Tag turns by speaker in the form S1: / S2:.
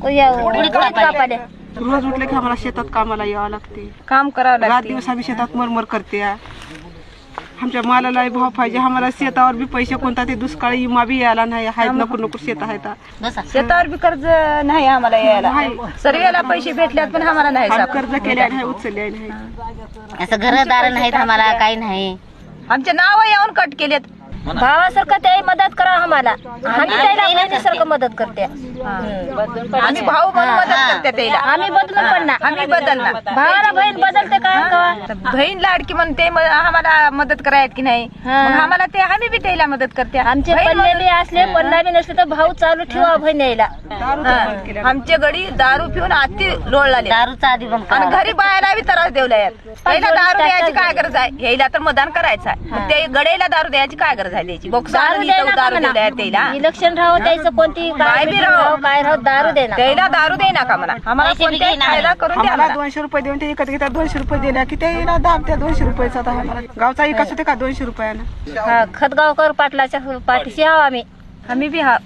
S1: उडीद कापायला
S2: रोज उठले की आम्हाला शेतात कामाला यावं लागते,
S3: काम करावं
S2: रात
S3: लागते.
S2: दिवस आम्ही शेतात मरमर करते. आमच्या मालाला भाव पाहिजे, आम्हाला शेतावर बी पैसे कोणता ते दुष्काळी विमा बी यायला नाही. आहेत नको नको शेत आहेत,
S3: शेतावर बी कर्ज नाही आम्हाला यायला. सर्वेला पैसे भेटल्यात पण आम्हाला नाही
S2: आम्ही
S3: सापडत.
S2: कर्ज केले नाही, उचलले नाही.
S1: असं घरदार नाहीत आम्हाला, काही नाही.
S3: आमचे नाव येऊन कट केलेत.
S4: भावासारखं ते मदत करा आम्हाला, आम्ही त्याला बहिणीसारखं मदत करते.
S3: आम्ही भाऊ म्हणून मदत करते त्याला.
S4: आम्ही बदलून पण ना,
S3: आम्ही बदलणार.
S4: भावाला बहीण बदलते काय का?
S3: बहीण लाडकी म्हणून ते आम्हाला मदत करायत की नाही, मग आम्हाला ते आम्ही बी त्याला मदत करते.
S4: आमचे पल्ले बी असले पल्ला बी नसले तर भाऊ चालू ठेवा बहीण यायला.
S3: आमचे गडी दारू पिऊन आती लोळले.
S1: दारूचा आधी बंद
S3: आणि घरी बायाला बी त्रास देवला यात. पहिला दारू द्यायची काय गरज आहे, यायला तर मतदान करायचं आहे. मग ते गडेला दारू द्यायची काय गरज आहे द्यायची.
S4: दारू द्यायला इलेक्शन राहो द्यायचं, कोणती काय बी राहो काय राहो दारू देणार.
S3: त्याला दारू दे नका म्हणा, आम्हाला कोणत्याही फायदा करून द्या.
S2: आम्हाला 200 रुपये देऊन ते विकत घेतात. 200 रुपये दिल्या की ते दाब त्या 200 रुपयाचा. आता आम्हाला गावचा विकास होते का 200 रुपयानं?
S4: खतगावकर पाटलाच्या पाठीशी आहो आम्ही.
S3: आम्ही बी हा